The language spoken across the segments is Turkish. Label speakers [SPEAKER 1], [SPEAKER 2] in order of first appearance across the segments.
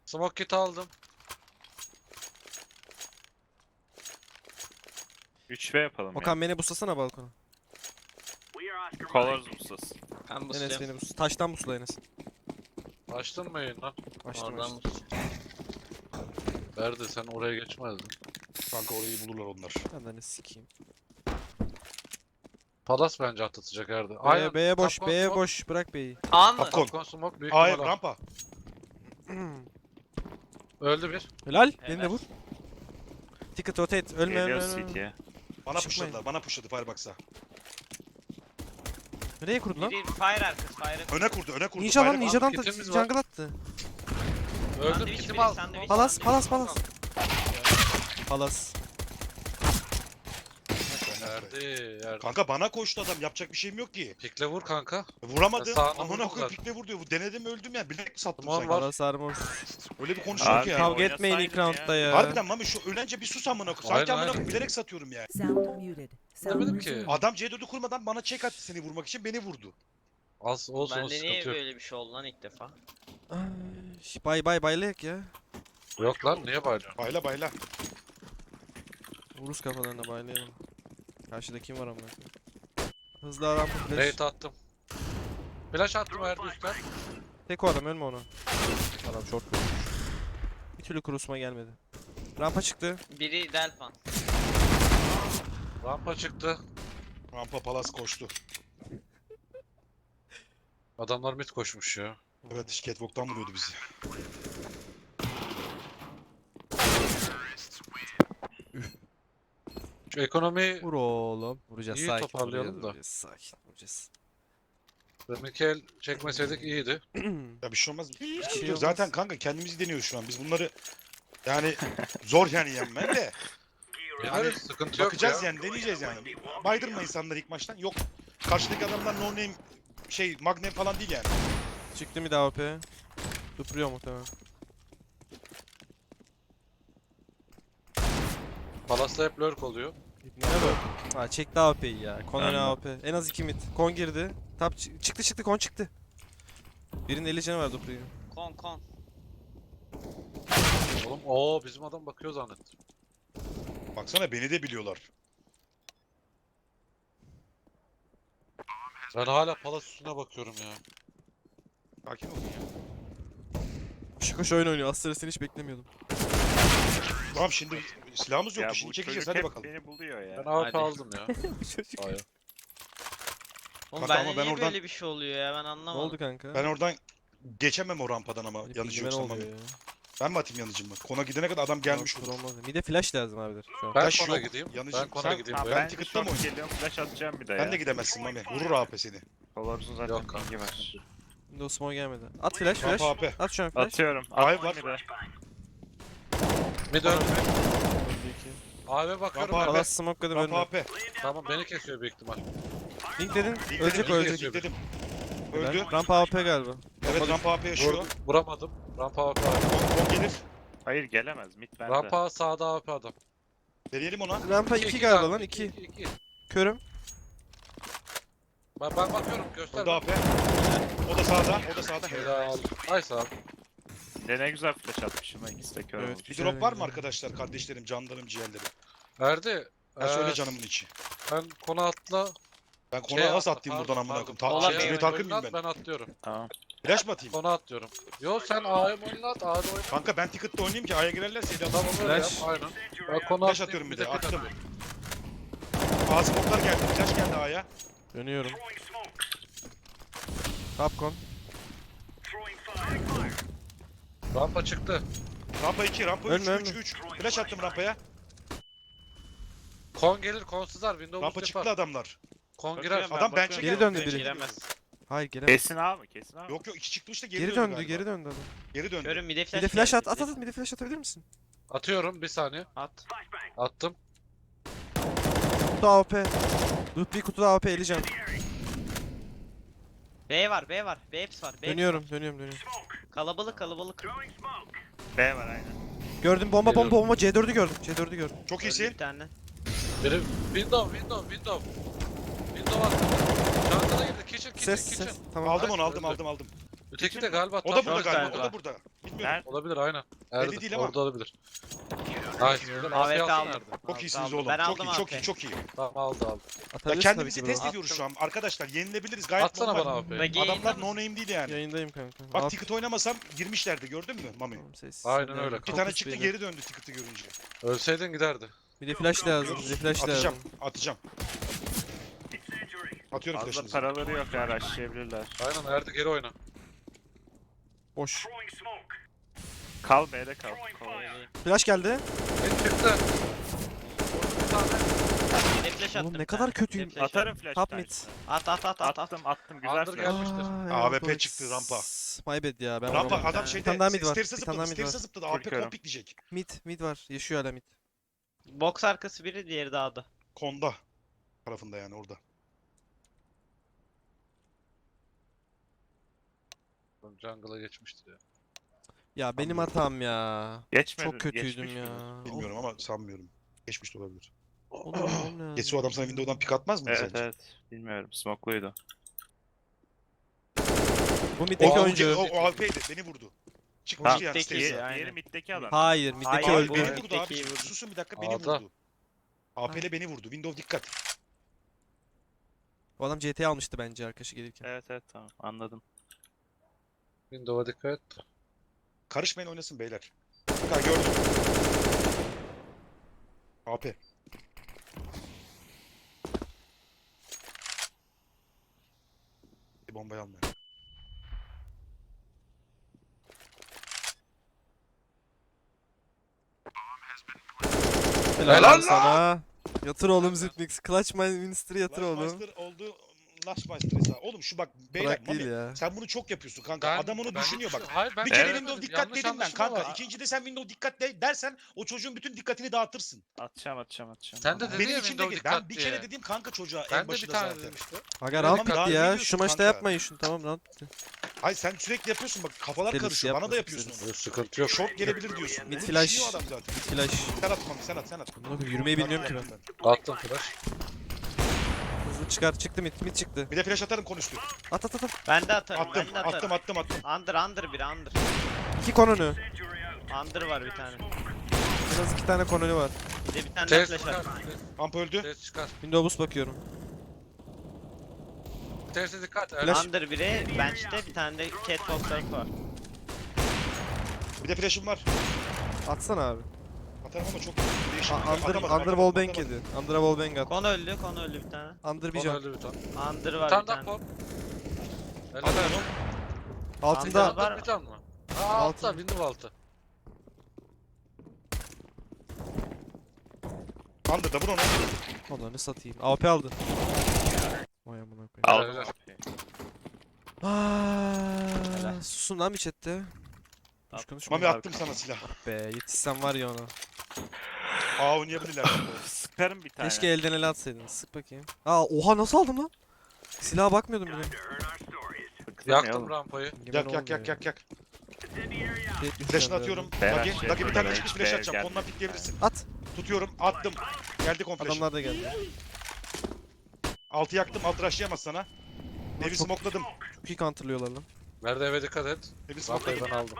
[SPEAKER 1] Smoke kit aldım.
[SPEAKER 2] 3v yapalım
[SPEAKER 3] Okan beni buslasana balkona.
[SPEAKER 2] ya. Colors ustas.
[SPEAKER 4] Ben
[SPEAKER 3] Enes
[SPEAKER 4] busluyorum.
[SPEAKER 3] beni bus. Taştan busla Enes.
[SPEAKER 1] Açtın mı yayını?
[SPEAKER 3] Açtım
[SPEAKER 4] Oradan
[SPEAKER 3] açtım.
[SPEAKER 4] busluyorum.
[SPEAKER 1] Verdi sen oraya geçmezdin.
[SPEAKER 5] Kanka orayı bulurlar onlar.
[SPEAKER 3] Ben de ne sikeyim.
[SPEAKER 1] Palas bence atlatacak Erdi.
[SPEAKER 3] B'ye boş,
[SPEAKER 1] Tapkon
[SPEAKER 3] B'ye
[SPEAKER 1] smoke,
[SPEAKER 3] boş. Bırak B'yi.
[SPEAKER 4] A mı?
[SPEAKER 5] Tapkon.
[SPEAKER 1] Tapkon smoke büyük
[SPEAKER 5] Hayır
[SPEAKER 1] ihtimalle.
[SPEAKER 5] rampa.
[SPEAKER 1] Öldü bir.
[SPEAKER 3] Helal. Beni de
[SPEAKER 4] Helal.
[SPEAKER 3] vur. Ticket rotate. Ölme
[SPEAKER 2] Geliyor
[SPEAKER 3] ölme ölme.
[SPEAKER 2] CT'ye.
[SPEAKER 5] Bana
[SPEAKER 3] Çıkmayın.
[SPEAKER 5] pushladılar. Bana pushladı Firebox'a.
[SPEAKER 3] Nereye kurdun lan?
[SPEAKER 4] Biri fire arkası fire.
[SPEAKER 5] Öne kurdu, öne kurdu.
[SPEAKER 3] Ninja lan
[SPEAKER 5] Firebox.
[SPEAKER 3] Ninja'dan da
[SPEAKER 1] kitimiz var.
[SPEAKER 3] jungle attı.
[SPEAKER 1] Öldüm
[SPEAKER 4] Sandviç
[SPEAKER 1] kitimi
[SPEAKER 4] biri,
[SPEAKER 1] al.
[SPEAKER 4] sandviç.
[SPEAKER 3] Palas palas palas. Palas.
[SPEAKER 1] Erdi. Erdi.
[SPEAKER 5] Kanka bana koştu adam. Yapacak bir şeyim yok ki.
[SPEAKER 1] Pikle vur kanka.
[SPEAKER 5] Vuramadım.
[SPEAKER 1] Sağına
[SPEAKER 5] Amına
[SPEAKER 1] vurdum
[SPEAKER 5] koyayım
[SPEAKER 1] zaten.
[SPEAKER 5] pikle vur diyor. Denedim öldüm ya. Bilek mi sattım
[SPEAKER 1] Tamam,
[SPEAKER 5] sanki?
[SPEAKER 1] var.
[SPEAKER 3] Palas armor.
[SPEAKER 5] Öyle bir konuşuyor ki ya.
[SPEAKER 3] Kavga etmeyin ilk
[SPEAKER 2] oynasaydın
[SPEAKER 3] roundda ya.
[SPEAKER 5] Harbiden Mami şu ölence bir sus amına koyayım. Sanki
[SPEAKER 1] Aynen,
[SPEAKER 5] amına
[SPEAKER 1] aynen.
[SPEAKER 5] koyayım bilerek satıyorum ya.
[SPEAKER 6] Sound muted. Sound
[SPEAKER 1] Demedim ki.
[SPEAKER 6] resumed.
[SPEAKER 5] Adam C4'ü kurmadan bana check attı seni vurmak için beni vurdu.
[SPEAKER 1] Az olsun o
[SPEAKER 4] Bende niye
[SPEAKER 1] sıkıntı yok.
[SPEAKER 4] böyle bir şey oldu lan ilk defa?
[SPEAKER 3] Ay, bay baylayak ya.
[SPEAKER 1] Yok lan niye bağırıyorsun?
[SPEAKER 5] Bayla bayla.
[SPEAKER 3] Vuruz kafalarına baylayalım. Karşıda kim var amına koyayım? Hızlı aram flash.
[SPEAKER 1] Raid attım. Flash attım Erdi üstten.
[SPEAKER 3] Tek o adam ölme onu. Adam short vurmuş. Bir türlü kurusuma gelmedi. Rampa çıktı.
[SPEAKER 4] Biri Delpan.
[SPEAKER 1] Rampa çıktı.
[SPEAKER 5] Rampa palas koştu.
[SPEAKER 1] Adamlar mid koşmuş ya.
[SPEAKER 5] Evet catwalk'tan vuruyordu bizi.
[SPEAKER 1] Şu ekonomi
[SPEAKER 3] Vur oğlum. Vuracağız
[SPEAKER 1] İyi
[SPEAKER 3] sakin.
[SPEAKER 1] toparlayalım
[SPEAKER 3] vuracağız,
[SPEAKER 1] da.
[SPEAKER 3] vuracağız, sakin vuracağız.
[SPEAKER 1] deminki el çekmeseydik iyiydi.
[SPEAKER 5] Ya bir şey olmaz. Hiç
[SPEAKER 3] şey
[SPEAKER 5] yok.
[SPEAKER 3] olmaz.
[SPEAKER 5] Zaten kanka kendimizi deniyoruz şu an. Biz bunları yani zor yani yenmen de.
[SPEAKER 1] Yani sıkıntı yok
[SPEAKER 5] Bakacağız
[SPEAKER 1] ya.
[SPEAKER 5] yani deneyeceğiz yani. Baydırma insanları ilk maçtan. Yok. Karşıdaki adamlar no name şey magnet falan değil yani.
[SPEAKER 3] Çıktı mı daha OP? Dupuruyor muhtemelen.
[SPEAKER 1] Palas'ta hep lurk oluyor.
[SPEAKER 3] Ne bu? Ha çekti AWP'yi ya. Kon öne
[SPEAKER 2] Aynen.
[SPEAKER 3] AWP. En az 2 mid. Kon girdi. Tap çıktı kon çıktı. Birinin 50 canı var Dupuruyor.
[SPEAKER 4] Kon.
[SPEAKER 1] Oğlum bizim adam bakıyor zannettim.
[SPEAKER 5] Baksana beni de biliyorlar.
[SPEAKER 1] Ben hala Palas üstüne bakıyorum ya.
[SPEAKER 5] Sakin olun ya.
[SPEAKER 3] Şıkoş oyun oynuyor. Aslında seni hiç beklemiyordum.
[SPEAKER 5] Tamam şimdi silahımız
[SPEAKER 2] Ya
[SPEAKER 5] yok.
[SPEAKER 2] bu
[SPEAKER 5] Şimdi çekeceğiz
[SPEAKER 2] çocuk
[SPEAKER 5] hadi
[SPEAKER 2] hep
[SPEAKER 5] bakalım.
[SPEAKER 2] beni buluyor ya.
[SPEAKER 1] Ben AWP
[SPEAKER 4] Hadi.
[SPEAKER 1] aldım ya. Aya.
[SPEAKER 4] Oğlum
[SPEAKER 5] Kanka
[SPEAKER 4] bende
[SPEAKER 5] ama ben
[SPEAKER 4] niye
[SPEAKER 5] oradan-
[SPEAKER 4] böyle bir şey oluyor ya ben
[SPEAKER 3] Ne
[SPEAKER 4] anlamadım.
[SPEAKER 3] oldu kanka?
[SPEAKER 5] Ben oradan geçemem o rampadan ama
[SPEAKER 3] Benim
[SPEAKER 5] yanıcı
[SPEAKER 3] bilgime ne
[SPEAKER 5] yoksa
[SPEAKER 3] oluyor
[SPEAKER 5] Mami.
[SPEAKER 3] ya?
[SPEAKER 5] Ben mi atayım yanıcımı? Kona gidene kadar adam gelmiş
[SPEAKER 3] Olur,
[SPEAKER 5] olur.
[SPEAKER 3] olmaz. Bir de flash lazım abiler şu an.
[SPEAKER 1] Ben
[SPEAKER 5] Flash
[SPEAKER 1] kona
[SPEAKER 5] yok.
[SPEAKER 1] gideyim.
[SPEAKER 5] Yanıcım.
[SPEAKER 1] Ben kona
[SPEAKER 5] Sen-
[SPEAKER 1] gideyim.
[SPEAKER 2] Ha,
[SPEAKER 1] be.
[SPEAKER 5] ben
[SPEAKER 2] ben
[SPEAKER 5] ticket'ta mı
[SPEAKER 2] short
[SPEAKER 5] oynayayım?
[SPEAKER 2] geliyorum flash atacağım bir de ya.
[SPEAKER 5] Ben de gidemezsin Mami. Vurur AP seni.
[SPEAKER 2] Colors'un zaten
[SPEAKER 1] Yok kanka.
[SPEAKER 2] pingi var.
[SPEAKER 3] Windows smoke gelmedi. At flash flash.
[SPEAKER 5] Rampa AP.
[SPEAKER 3] At şu an flash.
[SPEAKER 2] Atıyorum.
[SPEAKER 5] Ay
[SPEAKER 2] Attım
[SPEAKER 5] var.
[SPEAKER 2] bir de.
[SPEAKER 1] Mid öldü.
[SPEAKER 3] Öldü iki.
[SPEAKER 1] AWP bakıyorum
[SPEAKER 5] Rampa
[SPEAKER 1] ben.
[SPEAKER 3] Palas smoke'ladım
[SPEAKER 5] Rampa
[SPEAKER 3] önüne.
[SPEAKER 5] AP.
[SPEAKER 1] Tamam beni kesiyor büyük ihtimal.
[SPEAKER 3] Link dedin.
[SPEAKER 5] Link
[SPEAKER 3] Ölecek
[SPEAKER 5] dedim,
[SPEAKER 3] o
[SPEAKER 5] link
[SPEAKER 3] ölecek.
[SPEAKER 5] dedim.
[SPEAKER 3] Helal.
[SPEAKER 5] Öldü.
[SPEAKER 3] Rampa AP galiba.
[SPEAKER 5] Evet rampa AP yaşıyor.
[SPEAKER 1] Vuramadım. Rampa AWP.
[SPEAKER 5] O gelir.
[SPEAKER 2] Hayır gelemez. Mid bende.
[SPEAKER 1] Rampa sağda AWP adam.
[SPEAKER 5] Deneyelim ona.
[SPEAKER 3] Rampa 2 galiba lan 2.
[SPEAKER 1] 2.
[SPEAKER 3] Körüm.
[SPEAKER 1] Ben bakıyorum göster.
[SPEAKER 5] O da AP. O da sağda. O da sağda.
[SPEAKER 1] Helal. Nice abi.
[SPEAKER 2] De ne güzel flash atmışım ha ikisi de kör
[SPEAKER 3] Evet,
[SPEAKER 2] olmuş.
[SPEAKER 5] Bir
[SPEAKER 3] güzel
[SPEAKER 5] drop var mı
[SPEAKER 3] güzel.
[SPEAKER 5] arkadaşlar? Kardeşlerim, canlarım, ciğerlerim.
[SPEAKER 1] Erdi.
[SPEAKER 5] Ben söyle
[SPEAKER 1] eee,
[SPEAKER 5] canımın içi.
[SPEAKER 1] Ben konu atla.
[SPEAKER 5] Ben konağa nasıl atlayayım buradan amına koyayım?
[SPEAKER 4] Olan
[SPEAKER 5] Şey,
[SPEAKER 4] bir
[SPEAKER 5] Cüneyt Arkın mıyım ben?
[SPEAKER 1] Ben atlıyorum.
[SPEAKER 2] Tamam.
[SPEAKER 5] Flash mı atayım?
[SPEAKER 1] Konu atlıyorum. Yo sen A'ya oyna at. A'da oyna.
[SPEAKER 5] Kanka ben ticket'ta oynayayım ki A'ya girerlerse de
[SPEAKER 1] Tamam öyle yap.
[SPEAKER 3] Flash.
[SPEAKER 1] Aynen. Ben konu
[SPEAKER 5] Flash
[SPEAKER 1] atlayayım,
[SPEAKER 5] atıyorum bir de.
[SPEAKER 1] pit
[SPEAKER 5] Attım.
[SPEAKER 1] atıyorum.
[SPEAKER 5] Ağzı boklar geldi. Flash geldi A'ya.
[SPEAKER 3] Dönüyorum. Capcom.
[SPEAKER 1] Rampa çıktı.
[SPEAKER 5] Rampa 2, rampa 3,
[SPEAKER 3] Ölme,
[SPEAKER 5] 3,
[SPEAKER 3] ölme.
[SPEAKER 5] 3. Flash attım rampaya.
[SPEAKER 1] Kon gelir, kon sızar. Windows
[SPEAKER 5] Rampa
[SPEAKER 1] yapar.
[SPEAKER 5] çıktı adamlar.
[SPEAKER 1] Kon
[SPEAKER 2] Bakıyorum
[SPEAKER 1] girer.
[SPEAKER 2] ben,
[SPEAKER 5] Adam
[SPEAKER 2] bakıyorum.
[SPEAKER 5] bench'e
[SPEAKER 3] Geri
[SPEAKER 5] geldi.
[SPEAKER 3] döndü
[SPEAKER 5] bench'e
[SPEAKER 3] biri.
[SPEAKER 5] geliyor.
[SPEAKER 4] Giremez.
[SPEAKER 3] Hayır gelemez.
[SPEAKER 2] Kesin A mı? Kesin A mı?
[SPEAKER 5] Yok yok 2 çıkmış da geri,
[SPEAKER 3] Geri döndü, geri döndü adam.
[SPEAKER 5] Geri döndü.
[SPEAKER 4] Görün bir de
[SPEAKER 3] Bir
[SPEAKER 4] flash.
[SPEAKER 3] de flash
[SPEAKER 4] geldi,
[SPEAKER 3] at,
[SPEAKER 4] bir de-
[SPEAKER 3] bir de flash atabilir misin?
[SPEAKER 1] Atıyorum bir saniye.
[SPEAKER 4] At.
[SPEAKER 1] Attım.
[SPEAKER 3] Kutu AWP. Dupi kutuda AWP eleyeceğim.
[SPEAKER 4] B var, B var. B hepsi var. B
[SPEAKER 3] Dönüyorum.
[SPEAKER 4] Kalabalık.
[SPEAKER 2] B var aynen.
[SPEAKER 3] Gördüm bomba
[SPEAKER 1] Geliyorum.
[SPEAKER 3] C4'ü gördüm. C4'ü gördüm.
[SPEAKER 5] Çok
[SPEAKER 4] Öldü
[SPEAKER 5] iyisin.
[SPEAKER 4] bir tane.
[SPEAKER 1] Biri window. Window attı. Çantada girdi. Kitchen.
[SPEAKER 3] Ses. Tamam.
[SPEAKER 5] Aldım
[SPEAKER 1] Nice,
[SPEAKER 5] onu aldım
[SPEAKER 1] öldü.
[SPEAKER 5] aldım aldım.
[SPEAKER 1] Öteki de galiba
[SPEAKER 5] O da
[SPEAKER 1] tam
[SPEAKER 5] burada
[SPEAKER 4] Yok
[SPEAKER 5] galiba.
[SPEAKER 4] galiba.
[SPEAKER 5] O da burada. Bilmiyorum.
[SPEAKER 2] Nerede?
[SPEAKER 1] olabilir aynen.
[SPEAKER 5] Belli değil ama.
[SPEAKER 1] Orada olabilir. Nice. Güzel.
[SPEAKER 4] AWP
[SPEAKER 1] AWP
[SPEAKER 4] aldım.
[SPEAKER 1] nerede?
[SPEAKER 5] Çok iyisiniz
[SPEAKER 4] aldım.
[SPEAKER 5] oğlum.
[SPEAKER 4] Ben
[SPEAKER 5] Çok
[SPEAKER 4] aldım
[SPEAKER 5] iyi, çok
[SPEAKER 4] AWP.
[SPEAKER 5] iyi, çok iyi.
[SPEAKER 1] Tamam aldı.
[SPEAKER 5] Ya
[SPEAKER 3] Atabilirsin
[SPEAKER 5] kendimizi
[SPEAKER 3] tabii ki
[SPEAKER 5] test
[SPEAKER 3] bro.
[SPEAKER 5] ediyoruz şu an. Arkadaşlar yenilebiliriz. Gayet
[SPEAKER 1] Atsana
[SPEAKER 5] normal.
[SPEAKER 1] bana AWP'yi.
[SPEAKER 4] Ve yayında
[SPEAKER 5] Adamlar
[SPEAKER 4] mısın?
[SPEAKER 5] no name değil yani.
[SPEAKER 3] Yayındayım kanka.
[SPEAKER 5] Bak
[SPEAKER 3] At-
[SPEAKER 5] ticket oynamasam girmişlerdi gördün mü Mami?
[SPEAKER 3] Tamam, sessiz.
[SPEAKER 1] Aynen
[SPEAKER 3] Hadi
[SPEAKER 1] öyle.
[SPEAKER 3] abi.
[SPEAKER 5] Bir tane
[SPEAKER 3] Focus
[SPEAKER 5] çıktı
[SPEAKER 3] beyler.
[SPEAKER 5] geri döndü ticket'ı görünce.
[SPEAKER 1] Ölseydin giderdi.
[SPEAKER 3] Bir de flash lazım. Bir de flash
[SPEAKER 5] Atacağım,
[SPEAKER 3] lazım.
[SPEAKER 5] atacağım. Atıyorum
[SPEAKER 2] Fazla
[SPEAKER 5] flash'ınızı.
[SPEAKER 2] paraları yok ya rushlayabilirler.
[SPEAKER 1] Aynen Erdi geri oyna.
[SPEAKER 3] Boş.
[SPEAKER 2] Kal B'de kal. Kolay.
[SPEAKER 3] Flash geldi.
[SPEAKER 1] Ne çıktı?
[SPEAKER 4] Bir de flash attım.
[SPEAKER 3] Oğlum ne
[SPEAKER 4] bir
[SPEAKER 3] kadar
[SPEAKER 4] tane.
[SPEAKER 3] kötüyüm.
[SPEAKER 4] Bir de flash
[SPEAKER 2] Atarım flash.
[SPEAKER 3] Top
[SPEAKER 2] bir
[SPEAKER 3] mid.
[SPEAKER 2] tanesini.
[SPEAKER 4] At.
[SPEAKER 2] Attım güzel
[SPEAKER 1] Under
[SPEAKER 2] flash.
[SPEAKER 1] gelmiştir.
[SPEAKER 5] AWP çıktı, rampa.
[SPEAKER 3] My bad ya ben
[SPEAKER 5] Rampa
[SPEAKER 3] vuramadım.
[SPEAKER 5] adam
[SPEAKER 4] Bir
[SPEAKER 5] şeyde
[SPEAKER 3] tane daha mid var,
[SPEAKER 5] stairs'e
[SPEAKER 3] bir tane daha
[SPEAKER 5] zıpladı.
[SPEAKER 3] mid
[SPEAKER 5] Stairs'e
[SPEAKER 3] var.
[SPEAKER 5] zıpladı. AP
[SPEAKER 2] Korkuyorum.
[SPEAKER 5] kompik diyecek.
[SPEAKER 3] Mid var. Yaşıyor hala mid.
[SPEAKER 4] Box arkası biri, diğeri dağda.
[SPEAKER 5] Konda tarafında yani orada.
[SPEAKER 1] Jungle'a geçmiştir ya.
[SPEAKER 3] Ya benim
[SPEAKER 5] Anlıyorum.
[SPEAKER 3] hatam ya.
[SPEAKER 2] Geçmedi.
[SPEAKER 3] Çok kötüydüm
[SPEAKER 2] geçmiş
[SPEAKER 3] ya.
[SPEAKER 2] midir?
[SPEAKER 5] Bilmiyorum ama sanmıyorum. Geçmiş de olabilir.
[SPEAKER 3] Oğlum, oğlum lazım.
[SPEAKER 5] Geçse o adam sana Windows'dan pik atmaz mı
[SPEAKER 2] Evet
[SPEAKER 5] sence?
[SPEAKER 2] evet. Bilmiyorum. Smokluydu.
[SPEAKER 3] Bu
[SPEAKER 5] O,
[SPEAKER 3] middeki
[SPEAKER 5] o,
[SPEAKER 3] oyuncu.
[SPEAKER 5] o AWP'ydi. Beni vurdu. Çıkmıştı yani
[SPEAKER 4] Middeki
[SPEAKER 5] stairs'e.
[SPEAKER 4] ya. aynen.
[SPEAKER 2] Diğeri middeki adam.
[SPEAKER 3] Hayır middeki
[SPEAKER 4] Hayır,
[SPEAKER 5] Hayır
[SPEAKER 3] öldü.
[SPEAKER 5] beni
[SPEAKER 4] Evet.
[SPEAKER 5] vurdu abi.
[SPEAKER 4] Middeki vurdu.
[SPEAKER 5] Susun bir dakika beni
[SPEAKER 1] A'da.
[SPEAKER 5] vurdu. AP'le beni vurdu. Windows dikkat.
[SPEAKER 3] O adam CT almıştı bence arkadaşı gelirken.
[SPEAKER 2] Evet evet tamam anladım.
[SPEAKER 1] Windows'a dikkat et.
[SPEAKER 5] Karışmayın oynasın beyler. Ha gördüm. AP. Bir bombayı almıyor.
[SPEAKER 3] Helal
[SPEAKER 5] Helal
[SPEAKER 3] sana. Yatır oğlum Zipmix. Clutch my Winster'ı yatır oğlum.
[SPEAKER 5] Lashmaster oldu. Lashmaster hesabı. Oğlum şu bak beyler
[SPEAKER 3] Bırak değil
[SPEAKER 5] Mami,
[SPEAKER 3] ya.
[SPEAKER 5] sen bunu çok yapıyorsun kanka. Adam onu düşünüyor bak.
[SPEAKER 1] Hayır ben
[SPEAKER 5] Bir kere
[SPEAKER 2] Evet.
[SPEAKER 5] Windows dikkat dedim ben kanka. İkincide sen Windows dikkat dersen o çocuğun bütün dikkatini dağıtırsın.
[SPEAKER 2] Atacağım.
[SPEAKER 1] Sen de dedin
[SPEAKER 5] Benim
[SPEAKER 1] ya
[SPEAKER 5] için de
[SPEAKER 1] Windows
[SPEAKER 5] ben
[SPEAKER 1] dikkat
[SPEAKER 5] bir
[SPEAKER 1] diye.
[SPEAKER 5] kere dedim kanka çocuğa
[SPEAKER 1] Ben
[SPEAKER 5] en
[SPEAKER 1] de bir
[SPEAKER 5] başında
[SPEAKER 1] tane
[SPEAKER 5] zaten.
[SPEAKER 1] dedim işte.
[SPEAKER 3] Aga
[SPEAKER 5] Tamam,
[SPEAKER 3] round
[SPEAKER 5] daha
[SPEAKER 3] bitti
[SPEAKER 5] ne
[SPEAKER 3] ya.
[SPEAKER 5] diyorsun
[SPEAKER 3] Şu maçta
[SPEAKER 5] kanka?
[SPEAKER 3] yapmayın şunu tamam round bitti.
[SPEAKER 5] Hayır sen sürekli yapıyorsun bak kafalar
[SPEAKER 3] Deliz
[SPEAKER 5] karışıyor. Bana da
[SPEAKER 3] yapma,
[SPEAKER 5] yapıyorsun
[SPEAKER 3] deliz.
[SPEAKER 5] onu.
[SPEAKER 1] Yok, sıkıntı yok.
[SPEAKER 5] Short gelebilir diyorsun.
[SPEAKER 3] Mid
[SPEAKER 5] Bunu
[SPEAKER 3] flash.
[SPEAKER 5] düşünüyor adam zaten.
[SPEAKER 3] Flash.
[SPEAKER 5] Sen at Mami sen at sen at.
[SPEAKER 3] Bunu yürümeyi bilmiyorum ki ben.
[SPEAKER 1] Attım flash.
[SPEAKER 3] Hızlı çıkar çıktı mid çıktı.
[SPEAKER 5] Bir de flash atarım konuştu.
[SPEAKER 3] At at at at.
[SPEAKER 4] Ben de atarım.
[SPEAKER 5] Attım
[SPEAKER 4] Ben de atarım.
[SPEAKER 5] attım.
[SPEAKER 4] Under biri under.
[SPEAKER 3] 2 kononu.
[SPEAKER 4] Under var bir tane.
[SPEAKER 3] En az 2 tane konolu var.
[SPEAKER 4] Bir de bir tane daha
[SPEAKER 1] Test
[SPEAKER 4] flash
[SPEAKER 1] çıkar.
[SPEAKER 4] var.
[SPEAKER 5] Amp öldü.
[SPEAKER 1] Test çıkar.
[SPEAKER 3] Windows boost bakıyorum.
[SPEAKER 1] Test'e dikkat.
[SPEAKER 3] Flash.
[SPEAKER 4] Under biri bench'te, bir tane de catwalk tarafı var.
[SPEAKER 5] Bir de flash'ım var.
[SPEAKER 3] Atsana abi.
[SPEAKER 5] Atarım ama çok değişik.
[SPEAKER 3] Under wallbang yedi. Under wallbang at.
[SPEAKER 4] Kon öldü bir tane.
[SPEAKER 3] Under bir
[SPEAKER 1] Onu
[SPEAKER 3] can.
[SPEAKER 1] öldü bir tane.
[SPEAKER 4] Under
[SPEAKER 1] Bir
[SPEAKER 4] var
[SPEAKER 1] tane
[SPEAKER 4] bir
[SPEAKER 1] daha
[SPEAKER 4] tane.
[SPEAKER 1] pop. Helal
[SPEAKER 5] Atar
[SPEAKER 1] olsun.
[SPEAKER 5] onu.
[SPEAKER 3] Altında.
[SPEAKER 4] Under var.
[SPEAKER 1] Bir tane mı? Aa
[SPEAKER 3] Altı.
[SPEAKER 1] altta Windows altı.
[SPEAKER 5] Under'da vur onu.
[SPEAKER 3] Onları satayım. AWP aldı. Vay amına koyayım.
[SPEAKER 2] Aldım.
[SPEAKER 1] helal.
[SPEAKER 3] Aaaa. Susun lan bir chatte. Boş konuşma.
[SPEAKER 5] Mami attım sana silah.
[SPEAKER 3] Be yetişsem var ya ona.
[SPEAKER 5] Aa oynayabilirler.
[SPEAKER 2] Sıkarım bir tane.
[SPEAKER 3] Keşke elden ele atsaydın. Sık bakayım. Aa oha nasıl aldım lan? Silaha bakmıyordum bile.
[SPEAKER 2] Sıktım ya
[SPEAKER 1] Yaktım
[SPEAKER 2] oğlum.
[SPEAKER 1] rampayı.
[SPEAKER 5] Yak. Flash'ını atıyorum. Dagi bir tane çıkmış flash atacağım. Ondan pikleyebilirsin.
[SPEAKER 3] At.
[SPEAKER 5] Tutuyorum. Attım. Geldi kon flash'ı.
[SPEAKER 3] Adamlar da geldi.
[SPEAKER 5] Altı yaktım. Alt rushlayamaz sana. Evi
[SPEAKER 3] çok-
[SPEAKER 5] smokladım.
[SPEAKER 3] Çok iyi counterlıyorlar lan.
[SPEAKER 1] Nerede eve dikkat et.
[SPEAKER 5] Evi
[SPEAKER 1] Rampayı
[SPEAKER 5] smokladım.
[SPEAKER 1] ben aldım.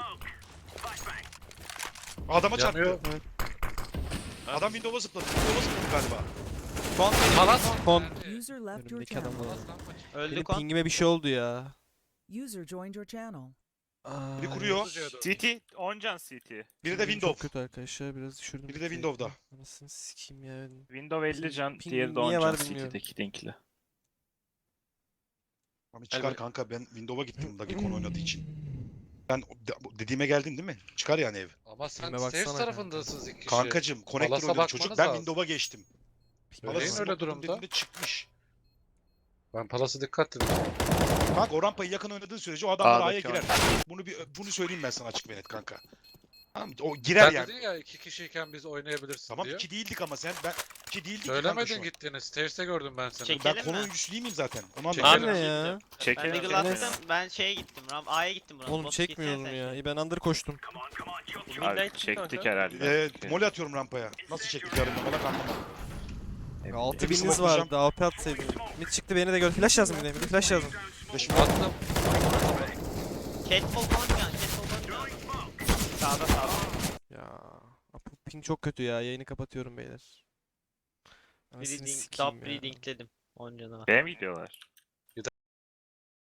[SPEAKER 5] Adama çarptı.
[SPEAKER 1] Yanıyor.
[SPEAKER 5] Adam Windows'a zıpladı. Windows'a zıpladı galiba.
[SPEAKER 4] Kon
[SPEAKER 1] Palas.
[SPEAKER 3] Kon.
[SPEAKER 6] User left your
[SPEAKER 3] Önümdeki
[SPEAKER 6] channel.
[SPEAKER 3] adamlar.
[SPEAKER 4] öldü
[SPEAKER 3] Benim
[SPEAKER 4] kon.
[SPEAKER 3] pingime bir şey oldu ya.
[SPEAKER 6] User joined your channel.
[SPEAKER 3] Aa,
[SPEAKER 5] Biri kuruyor.
[SPEAKER 2] CT. 10 can CT.
[SPEAKER 5] Biri de
[SPEAKER 3] pingim
[SPEAKER 5] Windows.
[SPEAKER 3] Çok kötü arkadaşlar biraz düşürdüm.
[SPEAKER 5] Biri de
[SPEAKER 3] ping'i.
[SPEAKER 5] Windows'da.
[SPEAKER 3] Anasını sikeyim ya.
[SPEAKER 2] Windows 50 can.
[SPEAKER 3] Ping
[SPEAKER 2] Diğeri de
[SPEAKER 3] niye
[SPEAKER 2] 10
[SPEAKER 3] var
[SPEAKER 2] can
[SPEAKER 3] bilmiyorum.
[SPEAKER 2] CT'deki linkli.
[SPEAKER 5] Abi çıkar
[SPEAKER 1] Elbette.
[SPEAKER 5] kanka ben Windows'a gittim Dagi kon oynadığı için. Ben dediğime geldin değil mi? Çıkar yani ev.
[SPEAKER 1] Ama sen
[SPEAKER 3] Filme
[SPEAKER 1] safe
[SPEAKER 3] baksana
[SPEAKER 1] tarafındasınız iki kişi.
[SPEAKER 5] Kankacım connector
[SPEAKER 1] Palas'a
[SPEAKER 5] oynadı çocuk.
[SPEAKER 1] bakmanız
[SPEAKER 5] Ben
[SPEAKER 1] lazım.
[SPEAKER 5] Windows'a geçtim.
[SPEAKER 3] Pingime
[SPEAKER 1] Öyle
[SPEAKER 3] bak.
[SPEAKER 1] öyle
[SPEAKER 5] smokladım
[SPEAKER 1] durumda.
[SPEAKER 5] dediğimde çıkmış.
[SPEAKER 1] Ben Palas'a dikkat dedim.
[SPEAKER 5] Kanka o rampayı yakın oynadığın sürece o adamlar A'ya
[SPEAKER 2] A'daki
[SPEAKER 5] girer. Bunu söyleyeyim ben sana açık ve net kanka. Tamam mı? O girer
[SPEAKER 1] Sen
[SPEAKER 5] yani.
[SPEAKER 1] dedin ya iki kişiyken biz oynayabiliriz
[SPEAKER 5] Tamam
[SPEAKER 1] diye.
[SPEAKER 5] 2 değildik ama sen ben 2 değildik kanka şu
[SPEAKER 1] Söylemedin
[SPEAKER 5] an.
[SPEAKER 1] gittiğini. Stairs'te gördüm ben seni.
[SPEAKER 4] Çek-
[SPEAKER 5] Ben
[SPEAKER 4] Çekelim
[SPEAKER 5] konu
[SPEAKER 4] mi?
[SPEAKER 5] oyuncusu değil miyim zaten? Onu
[SPEAKER 1] Çekelim.
[SPEAKER 5] anladım.
[SPEAKER 3] Abi ne ya?
[SPEAKER 4] Ben
[SPEAKER 2] Çekelim.
[SPEAKER 4] Deagle attım. Ben şeye gittim. A'ya gittim burası.
[SPEAKER 3] Oğlum
[SPEAKER 4] Bot
[SPEAKER 3] çekmiyorum
[SPEAKER 4] gitsene
[SPEAKER 3] ya.
[SPEAKER 4] sen.
[SPEAKER 3] İyi ben under koştum.
[SPEAKER 2] Abi çektik herhalde.
[SPEAKER 5] Mole atıyorum rampaya. Nasıl çektik yarın bana anlamadım.
[SPEAKER 3] Ya 6000'iniz
[SPEAKER 5] smokelayacağım.
[SPEAKER 3] vardı. AWP atsaydın. Mid çıktı beni de gör. Flash lazım bir de. Bir de flash lazım.
[SPEAKER 5] Flash'ım
[SPEAKER 1] Attım.
[SPEAKER 4] Catwall Goncan. Catwall Goncan. Sağda sağda.
[SPEAKER 3] Ya. Bu ping çok kötü ya. Yayını kapatıyorum beyler. Anasını
[SPEAKER 4] Breeding,
[SPEAKER 3] sikeyim
[SPEAKER 4] top
[SPEAKER 3] ya.
[SPEAKER 4] breedingledim. Oncan'a.
[SPEAKER 2] B'ye mi gidiyorlar?